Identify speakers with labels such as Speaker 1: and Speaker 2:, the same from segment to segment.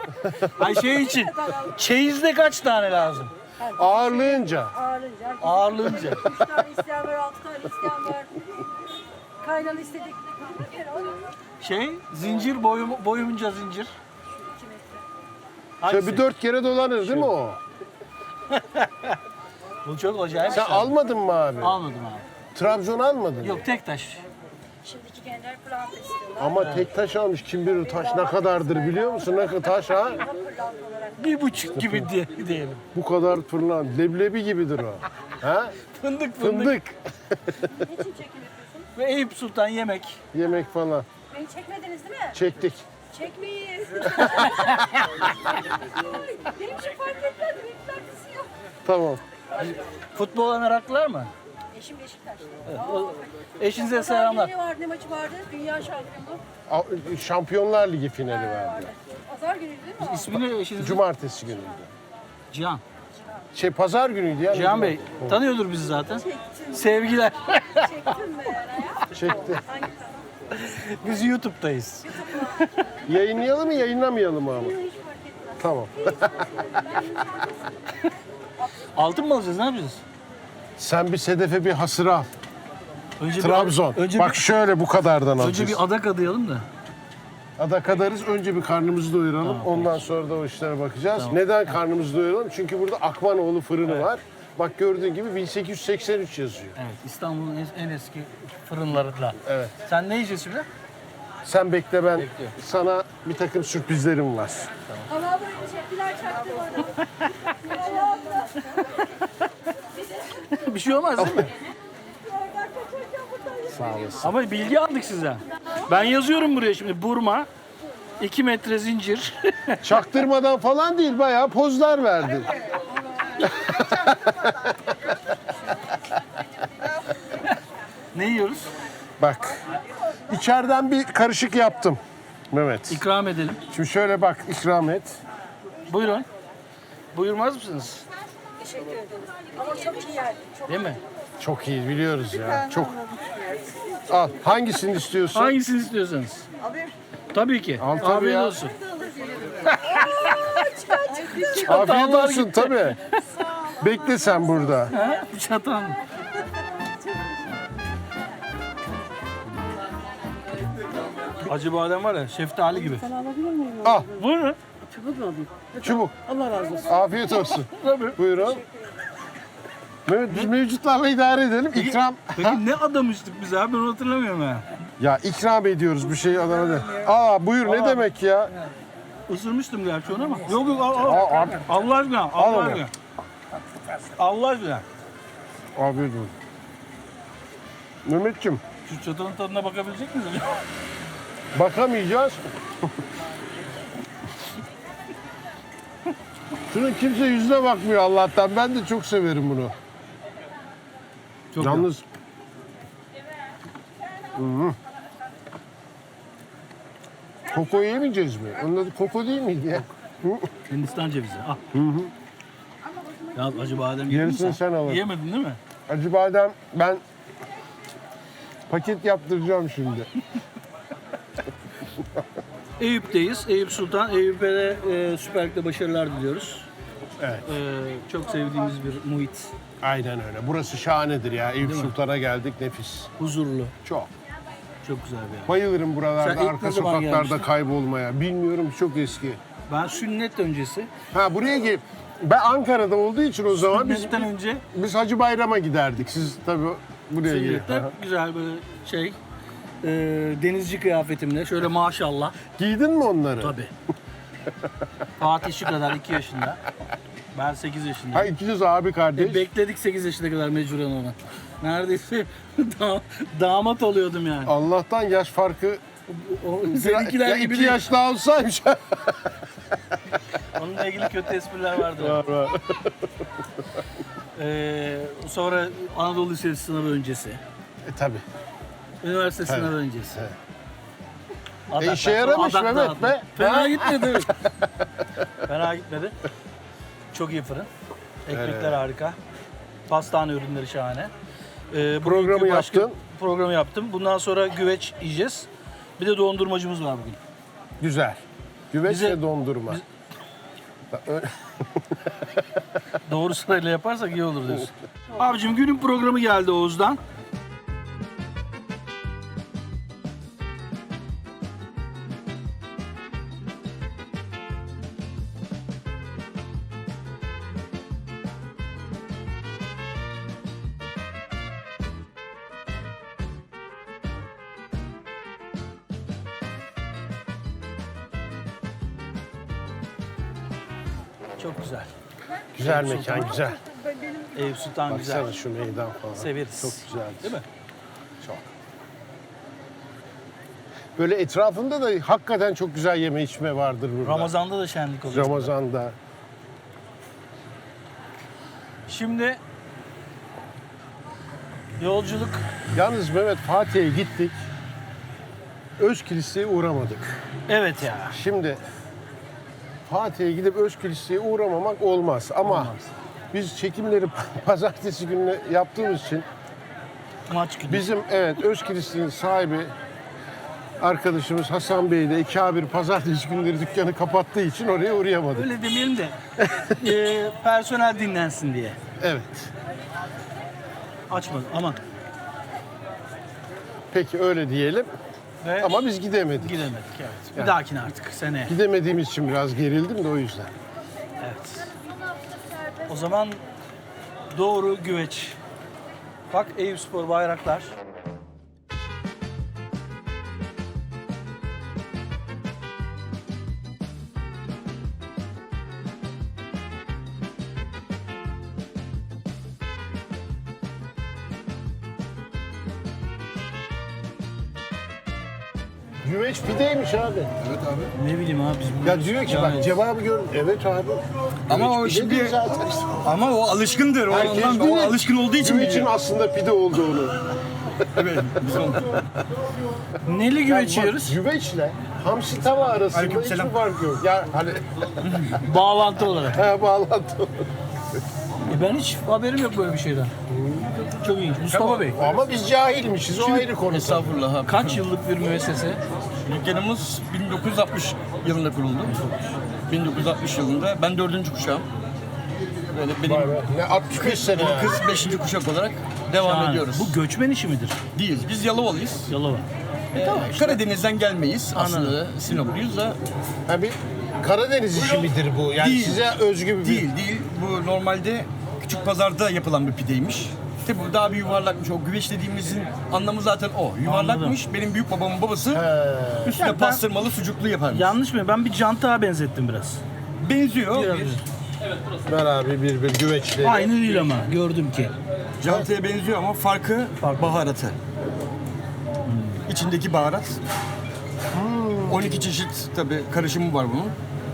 Speaker 1: Ay şey için. Çeyizde kaç tane lazım?
Speaker 2: Ağırlığınca.
Speaker 1: Ağırlığınca.
Speaker 3: 3 tane isteyen var, 6 tane isteyen var. Kaynalı istedik.
Speaker 1: Şey, zincir, boyunca zincir.
Speaker 3: 2 metre.
Speaker 1: Hangisi?
Speaker 2: Şöyle bir 4 kere dolanır değil mi o?
Speaker 1: Bu çok acayip.
Speaker 2: Sen almadın mı abi?
Speaker 1: Almadım abi.
Speaker 2: Trabzon almadın mı?
Speaker 1: Yok tek taş.
Speaker 3: Şimdiki gençler pırlanta istiyorlar.
Speaker 2: Ama tek taş almış. Kim bilir taş ne kadardır biliyor musun? Ne kadar taş ha?
Speaker 3: Pırlanta olarak.
Speaker 1: 1,5 gibi diyelim.
Speaker 2: Bu kadar fırlan. Leblebi gibidir o. Ha?
Speaker 1: Fındık.
Speaker 2: Fındık.
Speaker 3: Niçin çekim yapıyorsun?
Speaker 1: Ve Eyüp Sultan yemek.
Speaker 2: Yemek falan.
Speaker 3: Beni çekmediniz değil mi?
Speaker 2: Çektik.
Speaker 3: Çekmeyiz. Benim için fark etmez. Benim alakası yok.
Speaker 2: Tamam.
Speaker 1: Futbola meraklılar mı?
Speaker 3: Eşim Beşiktaş'ta.
Speaker 1: Eşinize
Speaker 3: Pazar
Speaker 1: selamlar.
Speaker 3: günü vardı, ne maçı vardı? Dünya şampiyonu.
Speaker 2: Şampiyonlar Ligi finali verdi.
Speaker 3: Pazar günü değil mi o?
Speaker 1: İsmini eşinizin?
Speaker 2: Cumartesi günüydü.
Speaker 1: Cihan.
Speaker 2: Pazar günüydü ya.
Speaker 1: Cihan Bey tanıyordur bizi zaten. Sevgiler.
Speaker 3: Çektin mi yani?
Speaker 2: Çekti.
Speaker 3: Hangi kanal?
Speaker 1: Biz YouTube'dayız.
Speaker 2: Yayınlayalım mı yayınlamayalım mı ama?
Speaker 3: Hiç fark etmez.
Speaker 2: Tamam.
Speaker 1: Altın mı alacağız, ne yapacağız?
Speaker 2: Sen bir Sedef'e bir hasır al.
Speaker 1: Önce
Speaker 2: Trabzon.
Speaker 1: Önce
Speaker 2: Bak şöyle bu kadardan
Speaker 1: önce
Speaker 2: alacağız.
Speaker 1: bir adak adayalım da.
Speaker 2: Ada kadarız. Önce bir karnımızı doyuralım.
Speaker 1: Tamam,
Speaker 2: Ondan sonra da o işlere bakacağız. Neden karnımızı doyuralım? Çünkü burada Akmanoğlu fırını var. Bak gördüğün gibi 1883 yazıyor.
Speaker 1: Evet, İstanbul'un en eski fırınlarından.
Speaker 2: Evet.
Speaker 1: Sen ne yiyeceğiz şimdi?
Speaker 2: Sen bekle, ben
Speaker 1: Bekliyorum.
Speaker 2: sana bir takım sürprizlerim var.
Speaker 3: Allah abla teşekkürler çaktım orada. Allah abla.
Speaker 1: Bir şey olmaz değil mi?
Speaker 3: Ben kaçarken buradan
Speaker 2: Sağ olasın.
Speaker 1: Ama bilgi aldık sizden. Ben yazıyorum buraya şimdi. Burma, 2 metre zincir.
Speaker 2: Çaktırmadan falan değil, bayağı pozlar verdin.
Speaker 1: Ne yiyoruz?
Speaker 2: Bak, içeriden bir karışık yaptım Mehmet.
Speaker 1: İkram edelim.
Speaker 2: Şimdi şöyle bak, ikram et.
Speaker 1: Buyurun. Buyurmaz mısınız?
Speaker 3: teşekkür ederim. Ama çok iyi yerdi. Çok
Speaker 1: Değil mi?
Speaker 2: Çok iyi, biliyoruz ya. Çok. Al, hangisini istiyorsun?
Speaker 1: Hangisini istiyorsanız.
Speaker 3: Alayım.
Speaker 1: Tabii ki.
Speaker 2: Al tabii
Speaker 1: Afiyet
Speaker 2: ya.
Speaker 1: olsun.
Speaker 2: Afiyet olsun tabii. Bekle sen burada.
Speaker 1: Ha? Çatan. Acı badem var ya, şeftali gibi.
Speaker 2: Al,
Speaker 1: Buyurun.
Speaker 2: çubuk.
Speaker 3: Allah razı olsun.
Speaker 2: Afiyet olsun.
Speaker 1: Tabii.
Speaker 2: Buyurun. Mehmet, biz mevcutlarla idare edelim. İkram.
Speaker 1: Peki ne adamıştık biz abi, ben onu hatırlamıyorum ha.
Speaker 2: Ya ikram ediyoruz bir şey adama da. Aa buyur, ne demek ya?
Speaker 1: Isırmıştım gerçi onu ama. Yok yok al.
Speaker 2: Aa, abi.
Speaker 1: Allah aşkına,
Speaker 2: Al
Speaker 1: Allah
Speaker 2: onu.
Speaker 1: aşkına. Allah aşkına.
Speaker 2: Afiyet olsun. Mehmetciğim,
Speaker 1: Şu çatanın tadına bakabilecek miyiz?
Speaker 2: bakamayacağız. Şunun kimse yüzüne bakmıyor Allah'tan. Ben de çok severim bunu.
Speaker 1: Çok
Speaker 2: Yalnız... Hı-hı. Koko yemeyeceğiz mi? Onun adı koko değil miydi ya?
Speaker 1: Hindistan cevizi. Al. Ya acı badem yedin mi
Speaker 2: Gerisini sen al.
Speaker 1: Yemedin değil mi?
Speaker 2: Acı badem ben paket yaptıracağım şimdi.
Speaker 1: Eyüp'teyiz. Eyüp Sultan. Eyüp'e de Süper Lig'de başarılar diliyoruz.
Speaker 2: Evet.
Speaker 1: Çok sevdiğimiz bir muhit.
Speaker 2: Aynen öyle. Burası şahanedir ya. Eyüp Sultan'a geldik, nefis.
Speaker 1: Huzurlu.
Speaker 2: Çok.
Speaker 1: Çok güzel bir yer.
Speaker 2: Bayılırım buralarda,
Speaker 1: Sen ilk
Speaker 2: arka
Speaker 1: ne zaman
Speaker 2: sokaklarda
Speaker 1: gelmiştin?
Speaker 2: kaybolmaya. Bilmiyorum, çok eski.
Speaker 1: Ben sünnet öncesi.
Speaker 2: Ha buraya gel. Ben Ankara'da olduğu için o zaman
Speaker 1: Sünnetten önce
Speaker 2: biz Hacı Bayram'a giderdik. Siz tabii buraya gelin.
Speaker 1: sünnette güzel böyle şey denizci kıyafetimle şöyle maşallah.
Speaker 2: Giydin mi onları?
Speaker 1: Tabii. Fatih şu kadar 2 yaşında. Ben 8 yaşındayım.
Speaker 2: Ha ikiniz abi kardeş.
Speaker 1: Bekledik 8 yaşına kadar mecburen ona. Neredeyse damat oluyordum yani.
Speaker 2: Allah'tan yaş farkı
Speaker 1: Seninkiler
Speaker 2: ya
Speaker 1: gibi
Speaker 2: 2
Speaker 1: değil.
Speaker 2: yaş daha olsaymış.
Speaker 1: Onunla ilgili kötü espriler vardı.
Speaker 2: var.
Speaker 1: Sonra Anadolu Lisesi sınavı öncesi.
Speaker 2: Tabii.
Speaker 1: Üniversite sınavı öncesi.
Speaker 2: işe yaramış Mehmet be.
Speaker 1: Fena
Speaker 2: Ha?
Speaker 1: gitmedi. Fena gitmedi. Çok iyi fırın. Ekmekler harika. Pastane ürünleri şahane.
Speaker 2: Programı
Speaker 1: bugünkü
Speaker 2: yaptın.
Speaker 1: Programı yaptım. Bundan sonra güveç yiyeceğiz. Bir de dondurmacımız var bugün.
Speaker 2: Güzel. Güveç
Speaker 1: Bize-
Speaker 2: ve dondurma.
Speaker 1: Doğru sırayla yaparsak iyi olur diyorsun. Abicim günün programı geldi Oğuz'dan. Çok güzel.
Speaker 2: Güzel mekan, güzel.
Speaker 1: Eyüp Sultan güzel.
Speaker 2: Baksana şu meydan falan.
Speaker 1: Severiz.
Speaker 2: Çok güzel.
Speaker 1: Değil mi?
Speaker 2: Çok. Böyle etrafında da hakikaten çok güzel yeme içme vardır burada.
Speaker 1: Ramazan'da da şenlik oluyor.
Speaker 2: Ramazan'da.
Speaker 1: Şimdi yolculuk
Speaker 2: Yalnız Mehmet, Fatih'e gittik. Özkiliseye uğramadık.
Speaker 1: evet ya.
Speaker 2: Şimdi Fatih'e gidip Özkiliseye uğramamak olmaz. Ama biz çekimleri pazartesi günü yaptığımız için
Speaker 1: Maç günü.
Speaker 2: bizim Özkilis'in sahibi arkadaşımız Hasan Bey de 2A1 pazartesi günleri dükkanı kapattığı için oraya uğrayamadık.
Speaker 1: Öyle demeyelim de personel dinlensin diye.
Speaker 2: Evet.
Speaker 1: Açmadım aman.
Speaker 2: Peki öyle diyelim.
Speaker 1: Ve
Speaker 2: Ama biz gidemedik.
Speaker 1: gidemedik evet. Bir
Speaker 2: Yani.
Speaker 1: dahakine artık seneye.
Speaker 2: Gidemediğimiz için biraz gerildim de o yüzden.
Speaker 1: Evet. O zaman doğru güveç. Bak Eyüpspor bayraklar.
Speaker 2: Güveç pideymiş abi.
Speaker 4: Evet abi.
Speaker 1: Ne bileyim abi biz bunu...
Speaker 2: Ya diyor ki bak
Speaker 1: Yani
Speaker 2: cevabı gör. Evet abi.
Speaker 4: Ama
Speaker 2: Güveç
Speaker 4: o
Speaker 2: pide
Speaker 4: şimdi-
Speaker 2: değil zaten.
Speaker 4: Ama o alışkındır. O,
Speaker 2: Herkes
Speaker 4: ondan, o
Speaker 2: bilir.
Speaker 4: alışkın olduğu için
Speaker 2: Güvecin
Speaker 4: biliyor.
Speaker 2: aslında pide olduğunu.
Speaker 4: Evet. Biz onu...
Speaker 1: Neli güveç
Speaker 2: Yani bak,
Speaker 1: yiyoruz?
Speaker 2: güveçle hamsi tava arasında hiçbir
Speaker 4: Aleykümselam.
Speaker 2: fark yok. Ya hani
Speaker 1: Bağlantı olarak.
Speaker 2: bağlantı.
Speaker 1: Ben hiç haberim yok böyle bir şeyden. Çok ilginç. Mustafa Bey.
Speaker 2: Ama biz cahilmişiz. O ayrı konu.
Speaker 4: Estağfurullah abi.
Speaker 1: Kaç yıllık bir müessese?
Speaker 4: Dükkanımız 1960 yılında kuruldu. 1960 yılında. Ben 4. kuşağım. Böyle benim
Speaker 2: Vay be, ne 65 sene ya.
Speaker 4: kız 5. kuşak olarak devam
Speaker 1: Yani
Speaker 4: ediyoruz.
Speaker 1: bu göçmen işi midir?
Speaker 4: Değiliz. Biz Yalovalıyız.
Speaker 1: Yalova.
Speaker 4: Karadeniz'den gelmeyiz. Aslında Sinopluyuz da
Speaker 2: Ha, bir Karadeniz işi midir bu? Yani
Speaker 4: Değil.
Speaker 2: size özgü bir...
Speaker 4: değil. Bu normalde küçük pazarda yapılan bir pideymiş. İşte bu daha bir yuvarlakmış. O güveç dediğimizin anlamı zaten o. Yuvarlakmış. Benim büyük babamın babası üstüne
Speaker 1: Ya ben-
Speaker 4: pastırmalı sucuklu yaparmış.
Speaker 1: Yanlış mı? Ben bir cantığa benzettim biraz.
Speaker 4: Benziyor.
Speaker 1: Biraz.
Speaker 2: Ver abi bir güveçleri.
Speaker 1: Aynı değil ama gördüm ki.
Speaker 4: Cantıya benziyor ama farkı baharatı. İçindeki baharat. 12 çeşit tabii karışımı var bunun.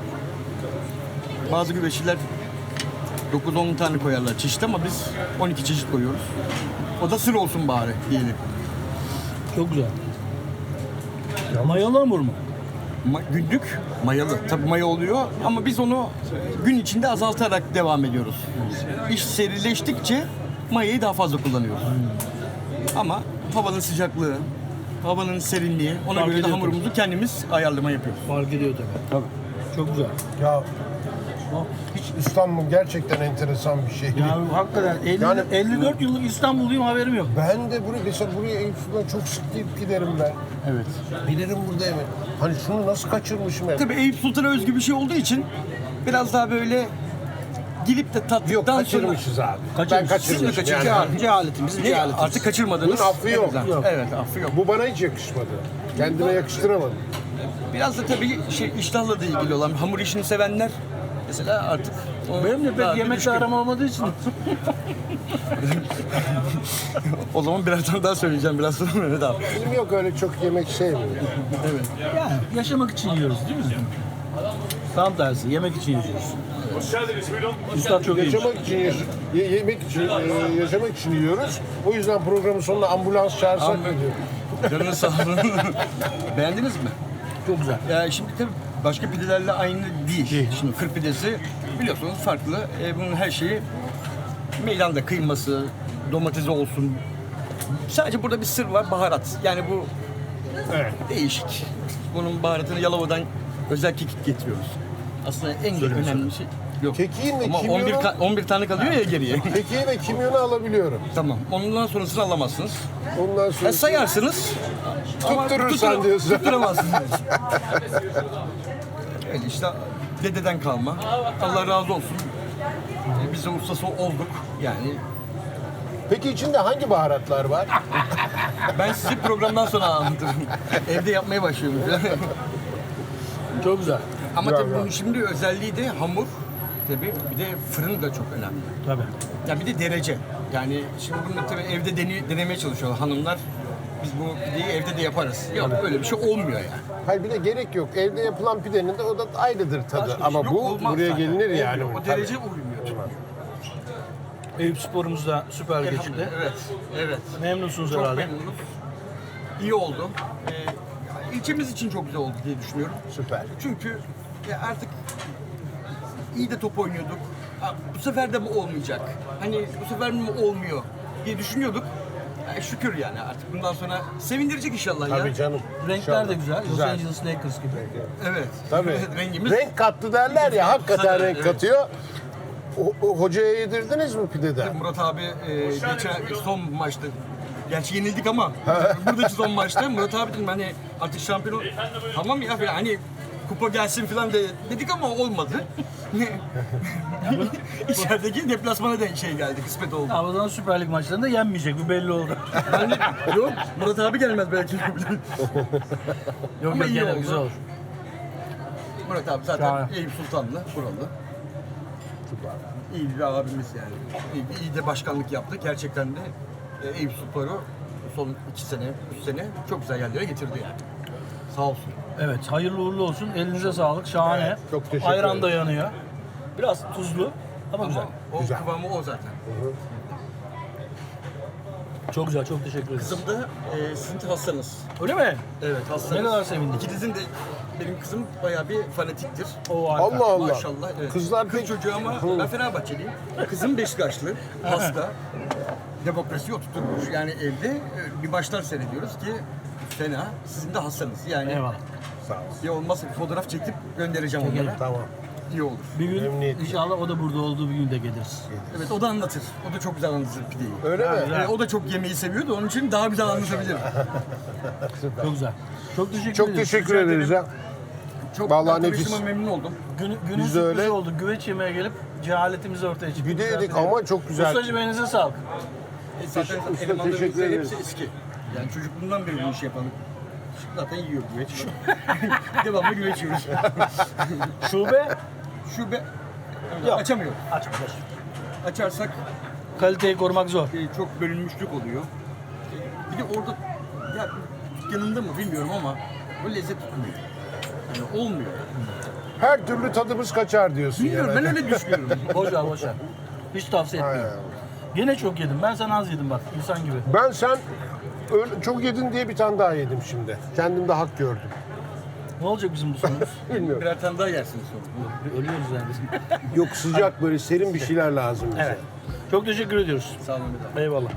Speaker 4: Bazı güveççiler 9-10 tane koyarlar çeşit ama biz 12 çeşit koyuyoruz. O da sır olsun bari diyelim.
Speaker 1: Çok güzel. Mayalı hamur mu?
Speaker 4: Günlük mayalı. Tabii maya oluyor ama biz onu gün içinde azaltarak devam ediyoruz. İş serileştikçe mayayı daha fazla kullanıyoruz. Ama havanın sıcaklığı, havanın serinliği ona
Speaker 1: Fark
Speaker 4: göre de
Speaker 1: ediyor
Speaker 4: hamurumuzu kendimiz ayarlama yapıyoruz.
Speaker 1: Fark ediyor tabii.
Speaker 4: Tabii.
Speaker 1: Çok güzel.
Speaker 2: Ya hiç İstanbul gerçekten enteresan bir şey.
Speaker 1: Ya hakikaten 50,
Speaker 2: Yani-
Speaker 1: 54 yıllık İstanbulluyum haberim yok.
Speaker 2: Ben de buraya Eyüp Sultan çok sık gidip giderim ben.
Speaker 4: Evet.
Speaker 2: Bilirim burada evet. Hani şunu nasıl kaçırmışım ben?
Speaker 4: Tabii Eyüp Sultan'a özgü bir şey olduğu için biraz daha böyle gidip de tattıktan
Speaker 2: Yok
Speaker 4: sonra...
Speaker 2: kaçırmışız abi.
Speaker 1: Kaçırmışız.
Speaker 2: Ben
Speaker 4: Siz mi
Speaker 2: kaçırmışım.
Speaker 4: kaçırdınız?
Speaker 2: Yani.
Speaker 1: Cehaletimizin
Speaker 4: Ne? Artık kaçırmadınız.
Speaker 2: Bunun affı yok.
Speaker 4: Evet,
Speaker 1: Yok.
Speaker 4: Evet, affı yok.
Speaker 2: Bu bana hiç yakışmadı. Kendime yakıştıramadım.
Speaker 4: Biraz da tabii iştahla da ilgili olan hamur işini sevenler mesela artık o
Speaker 1: Benim de
Speaker 4: daha
Speaker 1: pek
Speaker 4: bir
Speaker 1: yemekte
Speaker 4: düşkün.
Speaker 1: aram olmadığı için.
Speaker 4: O zaman birazdan daha söyleyeceğim biraz sonra Mehmet abi.
Speaker 2: Benim yok öyle çok yemek sevmiyorum.
Speaker 4: Evet.
Speaker 1: Yani yaşamak için yiyoruz değil mi? Tam tersi yemek için yiyoruz. Üstad çok iyi.
Speaker 2: Yaşamak için yemek için yaşamak için yiyoruz. O yüzden programın sonunda ambulans çağırsak mı diyor.
Speaker 4: Canınız sağ olun. Beğendiniz mi?
Speaker 1: Çok güzel.
Speaker 4: Ya şimdi tabii başka pidelerle aynı değil. Şimdi kır pidesi biliyorsunuz farklı. Bunun her şeyi meydanda kıyması, domatesi olsun. Sadece burada bir sır var, baharat. Yani bu
Speaker 2: Evet.
Speaker 4: değişik. Bunun baharatını Yalova'dan özel kekik getiriyoruz. Aslında en önemli şey yok.
Speaker 2: Kekiğin ve
Speaker 4: Ama
Speaker 2: kimyonu,
Speaker 4: 11 tane kalıyor ya geriye.
Speaker 2: kekiği ve kimyonu alabiliyorum.
Speaker 4: Tamam. Ondan sonrasını alamazsınız.
Speaker 2: Ondan sonra
Speaker 4: Sayarsınız. ama
Speaker 2: Tutturursan diyorsun.
Speaker 4: Tutturamazsınız. Öyle işte dededen kalma. Allah razı olsun. Biz de ustası olduk. Yani
Speaker 2: Peki içinde hangi baharatlar var?
Speaker 4: ben size programdan sonra anlatırım. Evde yapmaya başlıyorum.
Speaker 1: Çok güzel.
Speaker 4: Ama
Speaker 2: Güzel,
Speaker 4: tabii
Speaker 2: güzel.
Speaker 4: bunun şimdi özelliği de hamur. Tabii bir de fırın da çok önemli.
Speaker 1: Tabii.
Speaker 4: Ya bir de derece. Yani şimdi bunu tabii evde denemeye çalışıyorlar hanımlar. Biz bu pideyi evde de yaparız. Yok öyle bir şey olmuyor yani.
Speaker 2: Hayır bir de gerek yok. Evde yapılan pidenin de o da ayrıdır tadı.
Speaker 4: Başka bir
Speaker 2: Ama
Speaker 4: şey yok,
Speaker 2: bu
Speaker 4: olmaz
Speaker 2: buraya
Speaker 4: zaten.
Speaker 2: gelinir yani.
Speaker 4: Olmuyor. O
Speaker 2: Tabii.
Speaker 4: derece uymuyor.
Speaker 1: Eyüp Spor'umuz da süper geçti.
Speaker 4: Evet, evet.
Speaker 1: Memnunsunuz
Speaker 4: Çok
Speaker 1: herhalde.
Speaker 4: memnunuz. İyi oldu. İlçemiz için çok güzel oldu diye düşünüyorum.
Speaker 2: Süper.
Speaker 4: Çünkü artık iyi de top oynuyorduk. Ha, bu sefer de mi olmayacak? Hani bu sefer mi olmuyor diye düşünüyorduk. Şükür yani artık bundan sonra sevindirecek inşallah ya.
Speaker 2: Tabii canım.
Speaker 1: Renkler de güzel. Los
Speaker 2: Güzel.
Speaker 1: Angeles Lakers gibi.
Speaker 4: Evet.
Speaker 2: Tabii.
Speaker 4: Rengimiz.
Speaker 2: Renk kattı derler ya, hakikaten renk
Speaker 4: Evet.
Speaker 2: katıyor. O hocaya yedirdiniz mi pideden?
Speaker 4: Murat abi geçen son maçta gerçi yenildik ama buradaki son maçta Murat abi dedim hani artık şampiyon tamam ya falan hani kupa gelsin falan dedik ama olmadı. İçerideki deplasmana da şey geldi, kısmet oldu.
Speaker 1: Ama o zaman Süper Lig maçlarında yenmeyecek. Bu belli oldu.
Speaker 4: Yani, yok Murat abi gelmez belki.
Speaker 1: Yok
Speaker 4: Ama
Speaker 1: yok
Speaker 4: iyi
Speaker 1: gelir,
Speaker 4: oldu.
Speaker 1: güzel olur.
Speaker 4: Murat abi zaten
Speaker 1: Şahane.
Speaker 4: Eyüp Sultanlı, buralı. İyi bir abimiz yani. İyi de başkanlık yaptı. Gerçekten de Eyüp Sultan'ı son 2 sene, 3 sene çok güzel yerlere getirdi yani. Sağ olsun.
Speaker 1: Evet, hayırlı uğurlu olsun. Elinize sağlık. Şahane.
Speaker 2: Evet, çok teşekkür
Speaker 1: Ayran
Speaker 2: ederim.
Speaker 1: da yanıyor. Biraz tuzlu ama güzel.
Speaker 4: Ama o
Speaker 2: Güzel.
Speaker 4: kıvamı o zaten.
Speaker 1: Çok güzel, çok teşekkür ederim.
Speaker 4: Kızım da sizin hastanız.
Speaker 1: Öyle mi?
Speaker 4: Evet hastanız.
Speaker 1: Ne kadar sevindim.
Speaker 4: İkinizin de benim kızım bayağı bir fanatiktir.
Speaker 1: O harika.
Speaker 2: Allah Allah.
Speaker 4: Maşallah. Evet.
Speaker 2: Kızlar
Speaker 4: Kız
Speaker 2: pek...
Speaker 4: çocuğu ama ben Fenerbahçeliyim. Kızım Beşiktaşlı, hasta. Demokrasi oturtmuş. Yani evde bir maçlar seyrediyoruz ki fena. Sizin de hastanız. Yani
Speaker 1: Eyvallah.
Speaker 2: Sağ olsun.
Speaker 4: ya olmazsa bir fotoğraf çekip göndereceğim onlara.
Speaker 2: Tamam.
Speaker 4: İyi olur.
Speaker 1: Bir gün
Speaker 2: Memnuniyetle.
Speaker 1: inşallah o da burada olduğu bir gün de geliriz.
Speaker 4: Evet o da anlatır. O da çok güzel anlatır pideyi.
Speaker 2: Öyle mi?
Speaker 1: güzel.
Speaker 4: O da çok yemeği seviyordu. Onun için daha güzel anlatabilir.
Speaker 1: Çok güzel. Çok teşekkür
Speaker 2: Çok
Speaker 1: ederim.
Speaker 2: teşekkür ederiz ya.
Speaker 4: Çok
Speaker 2: Vallahi
Speaker 4: tanıştığıma
Speaker 2: nefis.
Speaker 4: memnun oldum.
Speaker 1: Günün
Speaker 2: Biz de öyle.
Speaker 1: sürprizi oldu. Güveç yemeye gelip cehaletimiz ortaya çıktı.
Speaker 2: Bir de yedik
Speaker 1: Güzel.
Speaker 2: ama çok güzel.
Speaker 1: Ustacığım elinize sağlık.
Speaker 4: Zaten
Speaker 2: Usta,
Speaker 4: elemanlarımızın
Speaker 2: teşekkür ederiz.
Speaker 4: hepsi eski. Yani çocukluğundan beri bu işi yapan. Zaten yiyor güveç. Devamlı güveç yiyoruz.
Speaker 1: Şube
Speaker 4: Şube
Speaker 1: Yok.
Speaker 4: açamıyor.
Speaker 1: açmış.
Speaker 4: Açarsak
Speaker 1: Kaliteyi korumak zor.
Speaker 4: çok bölünmüşlük oluyor. Bir de orada ya yanında mı bilmiyorum ama o lezzet tutmuyor. Yani olmuyor.
Speaker 2: Her türlü tadımız kaçar diyorsun
Speaker 4: Bilmiyorum
Speaker 2: yani.
Speaker 4: ben öyle düşünüyorum.
Speaker 1: Boş ver boş ver. Hiç tavsiye etmiyorum. Yine çok yedim. Ben sana az yedim bak. İnsan gibi.
Speaker 2: Ben sen öyle çok yedin diye bir tane daha yedim şimdi. Kendimde hak gördüm.
Speaker 1: Ne olacak bizim bu sonumuz?
Speaker 2: Bilmiyorum.
Speaker 4: Birer tane daha yersiniz sonra.
Speaker 1: Ölüyoruz yani.
Speaker 2: Yok sıcak böyle serin bir şeyler lazım bize.
Speaker 1: Evet. Çok teşekkür ediyoruz.
Speaker 4: Sağ olun bir daha.
Speaker 1: Eyvallah.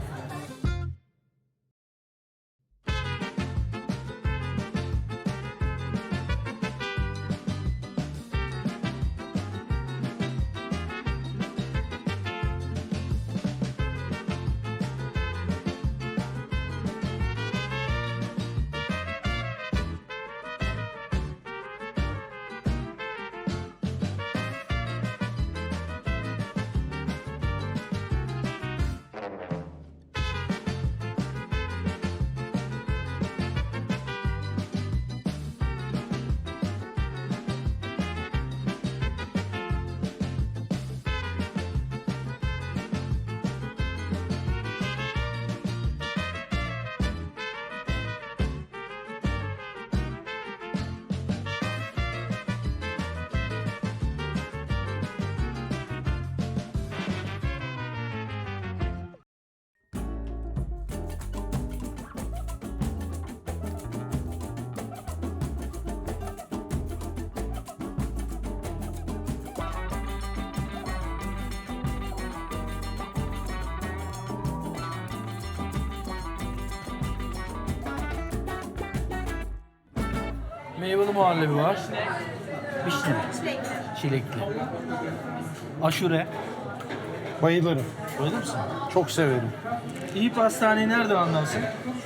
Speaker 1: Meyveli muhallebi var. Vişne mi? Çilekli. Aşure.
Speaker 2: Bayılırım.
Speaker 1: Öyle misin?
Speaker 2: Çok severim.
Speaker 1: İyi pastaneyi nereden anlarsın?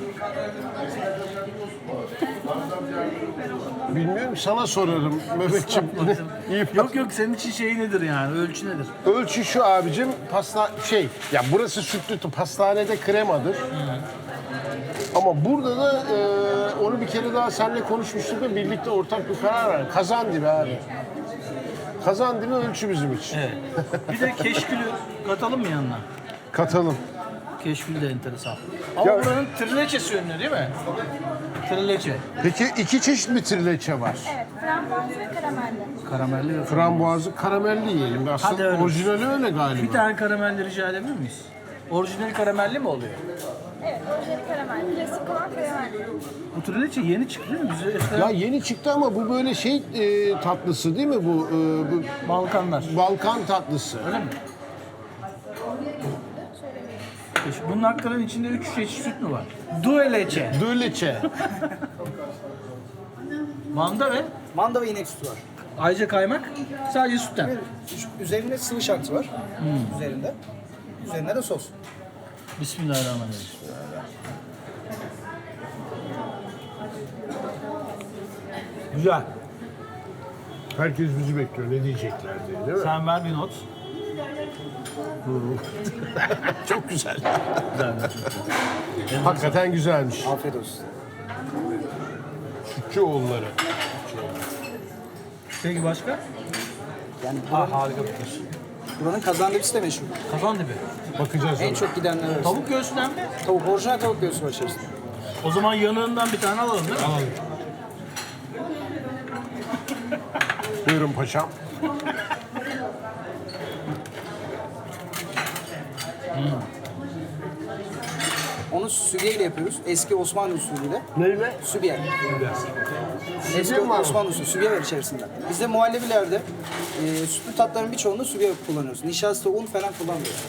Speaker 2: Bilmiyorum, sana sorarım Mehmetciğim. İyi
Speaker 1: Yok yok, senin için şey nedir yani? Ölçü nedir?
Speaker 2: Ölçü şu abicim, ya burası sütlü, pastanede kremadır. Ama burada da onu bir kere daha seninle konuşmuştuk ve birlikte ortak bir karar verdik. Kazandibi abi. Kazandibi ölçü bizim için.
Speaker 1: Evet. Bir de keşkülü katalım mı yanına?
Speaker 2: Katalım.
Speaker 1: Keşkül de enteresan. Ama
Speaker 2: Ya-
Speaker 1: buranın trileçesi ünlü değil mi? Trileçe.
Speaker 2: Peki iki çeşit mi trileçe var?
Speaker 3: Evet, frambuaz ve karamelli.
Speaker 1: Karamelli ve
Speaker 2: Frambuazlı, karamelli yiyelim.
Speaker 1: Hadi
Speaker 2: Aslında
Speaker 1: öyle.
Speaker 2: orijinali öyle galiba.
Speaker 1: Bir tane karamelli rica edebilir miyiz? Orijinal karamelli mi oluyor?
Speaker 3: Evet, orijinali karamel. Klasik olan karamelli.
Speaker 1: Bu trileçe yeni çıktı değil mi? Bize eskiden
Speaker 2: Ya yeni çıktı ama bu böyle tatlısı değil mi bu? Bu
Speaker 1: Balkanlar.
Speaker 2: Balkan tatlısı.
Speaker 1: Öyle mi? Bunun hakikaten içinde 3 çeşit süt mü var? Dueleçe.
Speaker 2: Döleçe.
Speaker 1: Manda ve
Speaker 5: Manda ve inek sütü var.
Speaker 1: ayrıca kaymak sadece sütten.
Speaker 5: Üzerinde sıvı şartı var. Üzerinde. Üzerine de sos.
Speaker 1: Bismillahirrahmanirrahim. Güzel.
Speaker 2: Herkes bizi bekliyor. Ne diyecekler diye değil mi?
Speaker 1: Sen ver bir not.
Speaker 2: Çok güzel.
Speaker 1: Güzel.
Speaker 2: Hakikaten güzelmiş.
Speaker 5: Afiyet olsun.
Speaker 2: Sütçüoğulları.
Speaker 1: Peki başka?
Speaker 5: Yani
Speaker 1: Harika bir kız.
Speaker 5: buranın kazandivisi de meşhur.
Speaker 1: Kazan dibi.
Speaker 2: Bakacağız
Speaker 5: En
Speaker 2: ona.
Speaker 5: çok gidenler arasında.
Speaker 1: Tavuk göğsünden mi?
Speaker 5: Tavuk, orijinal tavuk göğsü var içerisinde.
Speaker 1: O zaman yanığından bir tane alalım değil mi? Alalım.
Speaker 2: Buyurun paşam.
Speaker 5: Onu sübiye ile yapıyoruz. Eski Osmanlı usulüyle.
Speaker 2: Neyle?
Speaker 5: Sübiye. Eski
Speaker 2: Sübiye mi var?
Speaker 5: Osmanlı usulü sübiye var içerisinde. Bizde muhallebilerde sütlü tatların birçoğunda sübiye kullanıyoruz. Nişasta, un falan kullanmıyoruz.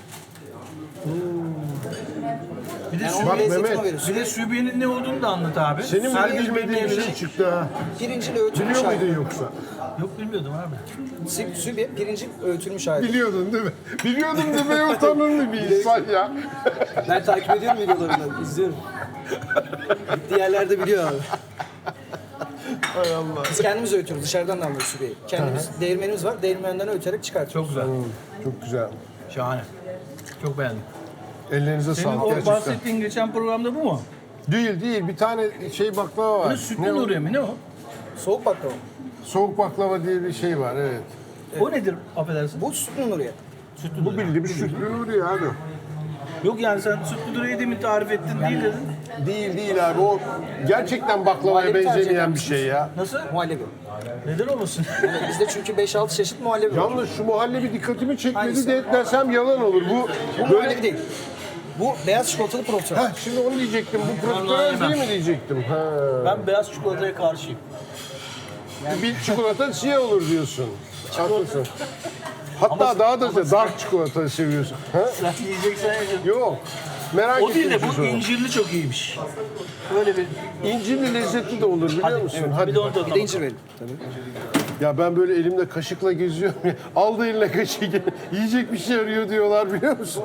Speaker 1: Bir de,
Speaker 5: Yani
Speaker 1: sü-
Speaker 5: onun
Speaker 2: Bak
Speaker 5: lezzetini
Speaker 2: Mehmet,
Speaker 5: o veriyor.
Speaker 1: bir de sübiyenin ne olduğunu da anlat abi.
Speaker 2: Senin
Speaker 1: Herkes
Speaker 2: bilmediğin bir
Speaker 1: bilmeyebilir.
Speaker 2: şey çıktı ha.
Speaker 5: Pirinciyle öğütülmüş
Speaker 2: Biliyor
Speaker 5: hali.
Speaker 2: muydun yoksa?
Speaker 1: Yok bilmiyordum abi.
Speaker 5: Sübiye, pirincin öğütülmüş hali.
Speaker 2: Biliyordun değil mi? Biliyordum demeye utanırlı bir insan ya.
Speaker 5: Ben takip ediyorum videolarını, izliyorum. Gittiği yerlerde biliyor abi.
Speaker 2: Hay Allah.
Speaker 5: Biz kendimiz öğütüyoruz, dışarıdan da alıyoruz sübiyeyi. Kendimiz, değirmenimiz var, değirmenden öğüterek çıkartıyoruz.
Speaker 1: Çok güzel.
Speaker 2: Çok güzel.
Speaker 1: Şahane. Çok beğendim.
Speaker 2: Ellerinize
Speaker 1: Senin
Speaker 2: sağlık
Speaker 1: o
Speaker 2: gerçekten.
Speaker 1: bahsettiğin geçen programda bu mu?
Speaker 2: Değil. Bir tane baklava var.
Speaker 1: Bu sütlü
Speaker 2: Ne o?
Speaker 1: Nuriye mi? Ne o?
Speaker 5: Soğuk baklava.
Speaker 2: Soğuk baklava diye bir şey var, evet.
Speaker 1: O nedir affedersin?
Speaker 5: Bu sütlü Nuriye.
Speaker 1: Sütlü
Speaker 2: Bu
Speaker 1: Nuriye.
Speaker 2: bildiğimiz sütlü Nuriye abi.
Speaker 1: Yok yani sen sütlü Nuriye'yi demin tarif ettin değil dedin.
Speaker 2: Değil abi. O gerçekten baklavaya
Speaker 5: Muhallebi tercih
Speaker 2: benzemeyen
Speaker 5: eder
Speaker 2: bir şey ya.
Speaker 1: Nasıl?
Speaker 5: Muhallebi.
Speaker 1: Neden olmasın?
Speaker 5: Bizde çünkü 5-6 çeşit muhallebi var.
Speaker 2: Yalnız şu muhallebi dikkatimi çekmedi
Speaker 5: Hangisi?
Speaker 2: de desem yalan olur. Bu
Speaker 5: Bu muhallebi değil. Bu beyaz çikolatalı profiterol.
Speaker 2: Heh, şimdi onu diyecektim. Bu profiterol değil mi diyecektim? Ha.
Speaker 1: Ben beyaz çikolataya karşıyım.
Speaker 2: Bir çikolata siyah olur diyorsun. Haklısın. Hatta daha da dark çikolata seviyorsun. Ha?
Speaker 1: Sen yiyeceksen yiyeceksin.
Speaker 2: Yok. Merak
Speaker 1: O değil de
Speaker 2: ettim
Speaker 1: bu
Speaker 2: siz onu.
Speaker 1: incirli çok iyiymiş. Böyle bir...
Speaker 2: İncirli lezzetli de olur biliyor musun? Hadi.
Speaker 1: Bir de onu tadına
Speaker 5: Bir de
Speaker 1: bak.
Speaker 5: incir verin. Tabii.
Speaker 2: Ya ben böyle elimde kaşıkla geziyorum ya. Aldı eline kaşığı. Yiyecek bir şey arıyor diyorlar biliyor musun?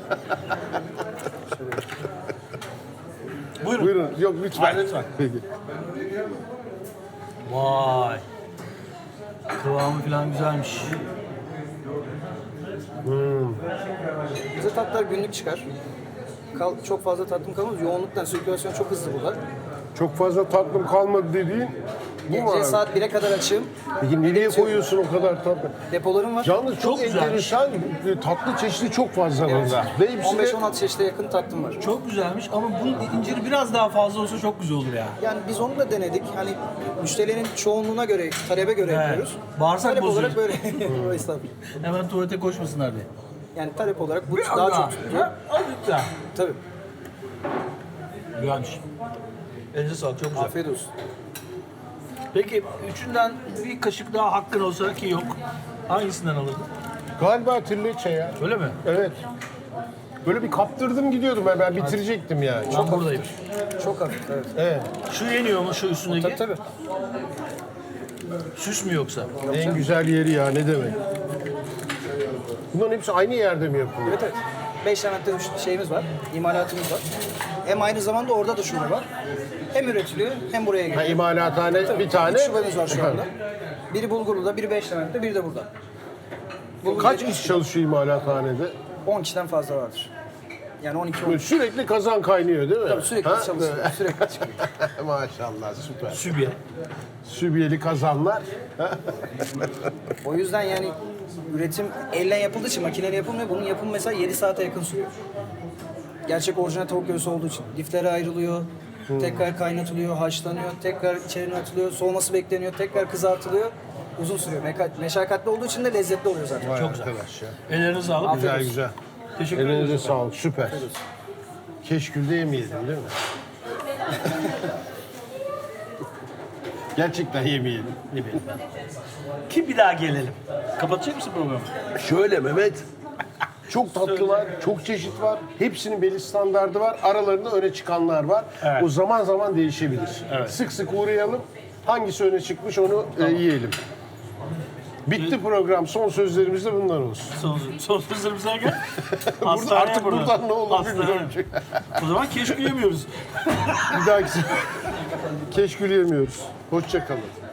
Speaker 1: Buyurun.
Speaker 2: Buyurun. Yok lütfen.
Speaker 1: Hayır, lütfen.
Speaker 2: Peki.
Speaker 1: Vay. Kıvamı falan güzelmiş.
Speaker 5: Bize tatlar günlük çıkar. Çok fazla tatlım kalmaz. Yoğunluktan sirkülasyon çok hızlı burada.
Speaker 2: Çok fazla tatlım kalmadı dediğin bu mu
Speaker 5: Gece
Speaker 2: abi?
Speaker 5: saat 1'e kadar açığım.
Speaker 2: Peki nereye koyuyorsun o kadar tatlı?
Speaker 5: Depolarım var.
Speaker 2: Yalnız çok,
Speaker 1: Çok güzelmiş.
Speaker 2: enteresan tatlı çeşidi çok fazla burada. Ve hepsi de
Speaker 5: 15-16 çeşide yakın tatlım var.
Speaker 1: Çok güzelmiş ama bunun inciri biraz daha fazla olsa çok güzel olur ya.
Speaker 5: Yani biz onu da denedik. Hani müşterilerin çoğunluğuna göre, talebe göre
Speaker 1: Evet.
Speaker 5: yapıyoruz.
Speaker 1: Bağırsak
Speaker 5: talep
Speaker 1: bozuyor.
Speaker 5: olarak böyle. Estağfurullah.
Speaker 1: Hemen tuvalete koşmasınlar diye.
Speaker 5: Yani talep olarak bu daha çok tutuyor.
Speaker 1: Azıcık daha.
Speaker 5: Tabii.
Speaker 1: Güzelmiş. Elinize sağlık, çok güzel.
Speaker 5: Afiyet olsun.
Speaker 1: Peki üçünden bir kaşık daha hakkın olsa ki yok. Hangisinden alırdın?
Speaker 2: galiba trileçe ya.
Speaker 1: Öyle mi?
Speaker 2: Evet. Böyle bir kaptırdım gidiyordum ben bitirecektim yani.
Speaker 1: Ben buradayım.
Speaker 5: Çok hafif, evet.
Speaker 2: Evet.
Speaker 1: Şu yeniyor mu şu üstündeki?
Speaker 5: Tabii tabii.
Speaker 1: Süs mü yoksa?
Speaker 2: En güzel yeri ya, ne demek. Bunların hepsi aynı yerde mi yapılıyor?
Speaker 5: Evet evet. 5 tane şeyimiz var, imalatımız var. Hem aynı zamanda orada da şube var. Hem üretiliyor hem buraya
Speaker 2: Ha,
Speaker 5: geliyor.
Speaker 2: imalathane bir tane.
Speaker 5: 3 şubemiz var şu anda. Biri Bulgurlu'da, biri Beşlevent'te, biri de burada.
Speaker 2: Kaç kişi çalışıyor imalathanede?
Speaker 5: 10 kişiden fazla vardır. Yani 12-13.
Speaker 2: Sürekli kazan kaynıyor değil mi?
Speaker 5: Tabii sürekli
Speaker 2: Ha?
Speaker 5: çalışıyor, sürekli çıkıyor.
Speaker 2: Maşallah, süper.
Speaker 1: Sübye.
Speaker 2: Sübiyeli kazanlar.
Speaker 5: O yüzden yani üretim elle yapıldığı için makineyle yapılmıyor. Bunun yapımı mesela 7 saate yakın sürüyor. Gerçek orijinal tavuk göğsü olduğu için. Lifleri ayrılıyor, tekrar kaynatılıyor, haşlanıyor, tekrar içerine atılıyor, soğuması bekleniyor, tekrar kızartılıyor. Uzun sürüyor. Meşakkatli olduğu için de lezzetli oluyor zaten.
Speaker 2: Çok güzel. Arkadaş ya.
Speaker 1: Ellerinize sağlık.
Speaker 2: Güzel
Speaker 5: olsun.
Speaker 2: güzel.
Speaker 1: Teşekkür ederiz.
Speaker 2: Elinize sağlık, süper. Keşkül'de yemeyelim değil mi? Gerçekten yemeyelim.
Speaker 1: Ne bileyim ben. Ki bir daha gelelim. Kapatacak mısın programı?
Speaker 2: Şöyle Mehmet, çok tatlılar, çok çeşit var. Hepsinin belli standardı var. Aralarında öne çıkanlar var.
Speaker 1: Evet.
Speaker 2: O zaman zaman değişebilir.
Speaker 1: Evet.
Speaker 2: Sık sık uğrayalım. Hangisi öne çıkmış onu yiyelim. Bitti program. Son sözlerimiz de bunlar olsun.
Speaker 1: Son sözlerimize gel.
Speaker 2: Artık buradan ne olur bilmiyorum.
Speaker 1: O zaman keşke yemiyoruz.
Speaker 2: Bir dahaki keşkül yemiyoruz. Hoşça kalın.